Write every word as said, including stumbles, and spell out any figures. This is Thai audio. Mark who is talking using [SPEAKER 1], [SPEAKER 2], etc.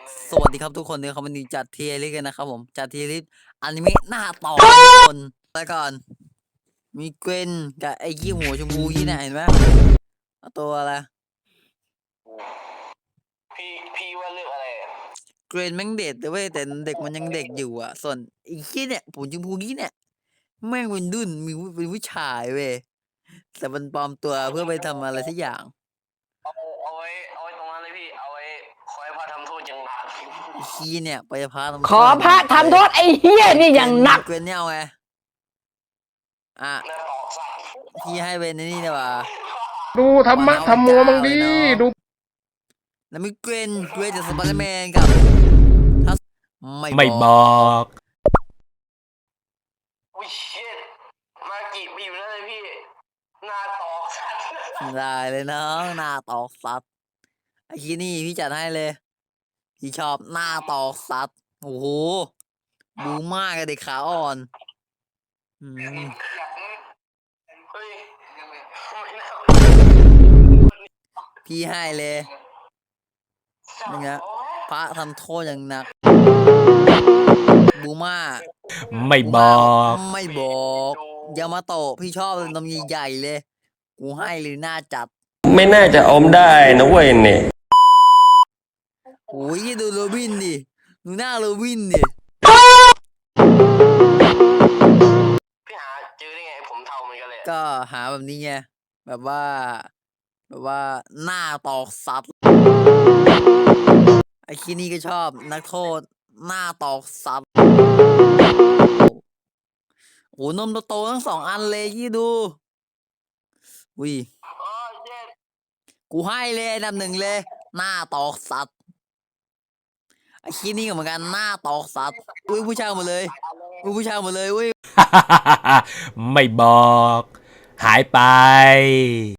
[SPEAKER 1] สวัสดีครับทุกคนเนี่ยเขาวันนี้จัดเทียร์ลิสต์กันนะครับผมจัดเทียร์ลิสต์อนิเมะหน้าต่อทุกคนแล้วก่อนมีเกวนกับไอ้ยี่หัวชมพูยี่เนี่ยเห็นไหมเอาตัวอะไร
[SPEAKER 2] พี่พี่ว่าเรื่องอะไรอะ
[SPEAKER 1] เกวนแม่งเด็ดแต่เว้ยแต่เด็กมันยังเด็กอยู่อ่ะส่วนไอ้ยี่เนี่ยผมชมพูยี่เนี่ยแม่งเป็นดุนมีเป็นผู้ชายเว้ยแต่มันปลอมตัวเพื่อไปทำอะไรสักอย่าง
[SPEAKER 2] เอาเอาไว้เอาไว้ตรงนั้นเลยพี่เอาไว้คอยพาทำโทษอย่างหนัก
[SPEAKER 1] ไอ้คีเนี่ยไปพาทำ
[SPEAKER 3] ขอพระทำโทษไอ้เฮี้ยนี่อย่างหนัก
[SPEAKER 1] เกวนเนี่ยเอาไงอ่ะ
[SPEAKER 2] หน้าตอกสัตว์
[SPEAKER 1] พี่ให้เป็นนี่ดีกว่า
[SPEAKER 4] ดูธรรมะธรรมโมมังดีดู
[SPEAKER 1] แล้วมีเกรนเกรนจากสไปเดอร์แมนกับทัสไม่
[SPEAKER 3] ไม่
[SPEAKER 1] บบ อ
[SPEAKER 3] อก ก
[SPEAKER 2] อุ้ยเชิดมากี่ปีแล้วเลยพี่หน้าตอกสัตว์
[SPEAKER 1] ได้เลยน้องหน้าตอกสัตว์ไอ้ที่นี่พี่จัดให้เลยพี่ชอบหน้าตอกสัตว์โอ้โหบูมากกับเด็กขาอ่อนอืม
[SPEAKER 2] เฮ้ยไม่น่า
[SPEAKER 1] พี่ให้เลยนี่ไงพระทำโทษอย่างหนักบูมา
[SPEAKER 3] ไม่บอก
[SPEAKER 1] ไม่บอกยามาโตะพี่ชอบนมใหญ่ๆเลยกูให้เลยหน้าจัด
[SPEAKER 5] ไม่น่าจะอมได้นะเว้ยเนี่ย
[SPEAKER 1] โอ้ยดูโรบินดิดูหน้าโรบินดิ
[SPEAKER 2] พี่หาเจอได้ไงผมเทาเหมือนกันเลยอะ
[SPEAKER 1] ก็หาแบบนี้ไงแบบว่า แบบว่าหน้าตอกสัตว์ไอ้คีนี่ก็ชอบนักโทษหน้าตอกสัตว์โอ้นมโตๆทั้งสองอันเลยยี่ดูวิ
[SPEAKER 2] อ๋อเชิด
[SPEAKER 1] กูให้เลยอันดับหนึ่งเลย หน้าตอกสัตว์ไอ้คีนี่ก็เหมือนกันหน้าตอกสัตว์อุ้ยผู้ชายหมดเลยอุ้ยผู้ชายหมดเลยอุ้ย
[SPEAKER 3] ไม่บอก หายไป